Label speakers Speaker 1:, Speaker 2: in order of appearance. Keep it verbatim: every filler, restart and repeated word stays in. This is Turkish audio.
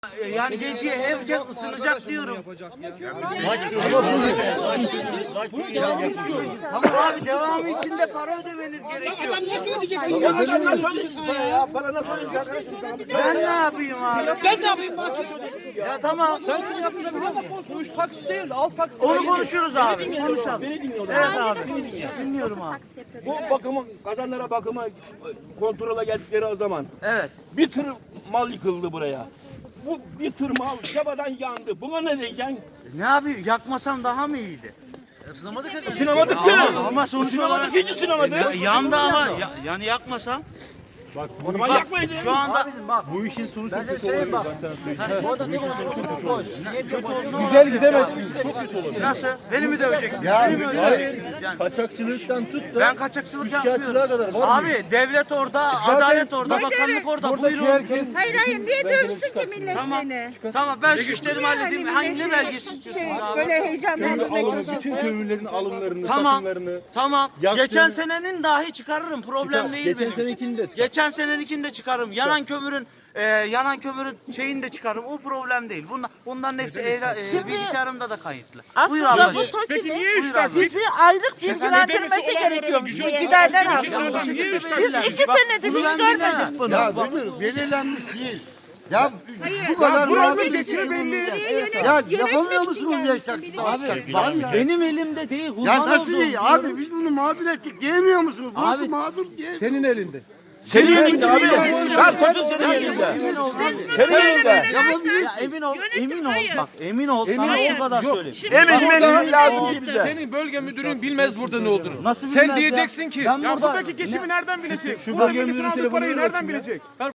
Speaker 1: Yani geceye herkes ısınacak diyorum. Tamam abi, devamı için de para ödemeniz gerekiyor.
Speaker 2: Adam nasıl ödeyecek?
Speaker 1: Ben ne yapayım abi?
Speaker 2: Ben ne yapayım bak?
Speaker 1: Ya tamam.
Speaker 3: Sen şunu yapıyorsun ama bu üç taksit değil, alt taksit.
Speaker 1: Onu konuşuruz abi. Konuşalım. Evet abi. Dinliyorum abi.
Speaker 4: Bu bakımı, kazanlara bakıma kontrola geldikleri o zaman
Speaker 1: Evet.
Speaker 4: bir tır mal yıkıldı buraya. Bu bir tır mal yabadan yandı. Buna ne diyeceksin?
Speaker 1: Ne yapayım? Yakmasam daha mı iyiydi?
Speaker 4: Sinemadık
Speaker 1: Ama,
Speaker 4: ya.
Speaker 1: ama sonuç olarak
Speaker 4: Sinemadık, hiç sinemadık.
Speaker 1: Ya- yandı ama ya- yani yakmasam.
Speaker 4: Bak,
Speaker 1: Bak
Speaker 4: yakmayın.
Speaker 1: şu anda
Speaker 5: Bu işin sonu çok kötü olur. Ben sana söyleyeyim.
Speaker 3: Güzel gidemezsin. Çok kötü olur.
Speaker 1: nasıl? Beni mi döveceksiniz?
Speaker 5: Ya
Speaker 1: Beni mi
Speaker 5: müdür,
Speaker 1: öldüreceksiniz? Yani
Speaker 5: kaçakçılıktan tut da
Speaker 1: ben kaçakçılık
Speaker 5: üçkağıtçılığa
Speaker 1: yapmıyorum.
Speaker 5: kadar var mı?
Speaker 1: Abi devlet orada, adalet orada, bakanlık orada. Buyurun.
Speaker 3: herkes
Speaker 6: Hayır hayır niye dövsün ki millet
Speaker 1: Tamam.
Speaker 6: seni?
Speaker 1: Tamam ben şu işlerimi
Speaker 6: Niye
Speaker 1: halledeyim.
Speaker 6: hani
Speaker 1: Hangi
Speaker 6: milleti
Speaker 1: ne belgesi
Speaker 6: şey,
Speaker 1: istiyorsunuz abi?
Speaker 6: Böyle heyecanlandırmaya
Speaker 5: Alın, bütün
Speaker 6: çalışıyorsun.
Speaker 5: kömürlerin alımlarını,
Speaker 1: Tamam.
Speaker 5: satımlarını.
Speaker 1: Tamam.
Speaker 5: Yaktığın-
Speaker 1: Geçen senenin dahi çıkarırım. Problem
Speaker 5: Çıkar.
Speaker 1: değil
Speaker 5: Geçen
Speaker 1: benim.
Speaker 5: senekini de çıkar.
Speaker 1: Geçen seneninkini de çıkarırım. Yanan kömürün e, yanan kömürün şeyini de çıkarırım. O problem değil. Bunlar, bunların hepsi eğra- e,
Speaker 6: Şimdi-
Speaker 1: bilgisayarımda da kayıtlı. Buyur
Speaker 6: Aslında
Speaker 1: ablacığım.
Speaker 6: bu TOKİ'nin
Speaker 1: Buyur ablacığım.
Speaker 6: bizi aylık bilgilendirmesi gerekiyormuş. Bu giderler
Speaker 1: Bu
Speaker 6: hakkında.
Speaker 1: şekilde
Speaker 6: Biz
Speaker 1: belirlenmiş.
Speaker 6: iki
Speaker 1: Bak,
Speaker 6: senedir
Speaker 1: bunu
Speaker 6: hiç
Speaker 1: ben
Speaker 6: görmedik
Speaker 1: bilemem.
Speaker 6: bunu.
Speaker 7: Ya müdür belirlenmiş değil. Ya bu kadar mağdur geçiri belli. Ya yapamıyor musunuz beş dakika? Var ya.
Speaker 1: Benim elimde değil.
Speaker 7: Ya
Speaker 1: kurban
Speaker 7: nasıl
Speaker 1: olduğum
Speaker 7: iyi? Abi biz bunu mağdur ettik diyemiyor musunuz? Burası
Speaker 1: Abi-
Speaker 7: mağdur diye.
Speaker 3: senin elinde.
Speaker 4: Senin elinde abi. Şarkıcı senin elinde.
Speaker 1: Emin ol.
Speaker 4: Senin elinde.
Speaker 1: Ya emin ol. Emin ol. Bak emin ol. Sana o kadar
Speaker 3: Yok.
Speaker 1: söyleyeyim.
Speaker 4: Emin emin lazım değil bize.
Speaker 3: Senin bölge müdürün bilmez burada ne olduğunu.
Speaker 1: Nasıl
Speaker 3: Sen
Speaker 1: bilmez ya?
Speaker 3: diyeceksin ki
Speaker 1: Ben burada-
Speaker 3: geçimi nereden bilecek?
Speaker 5: Şu bölge müdürün telefonu
Speaker 3: nereden bilecek?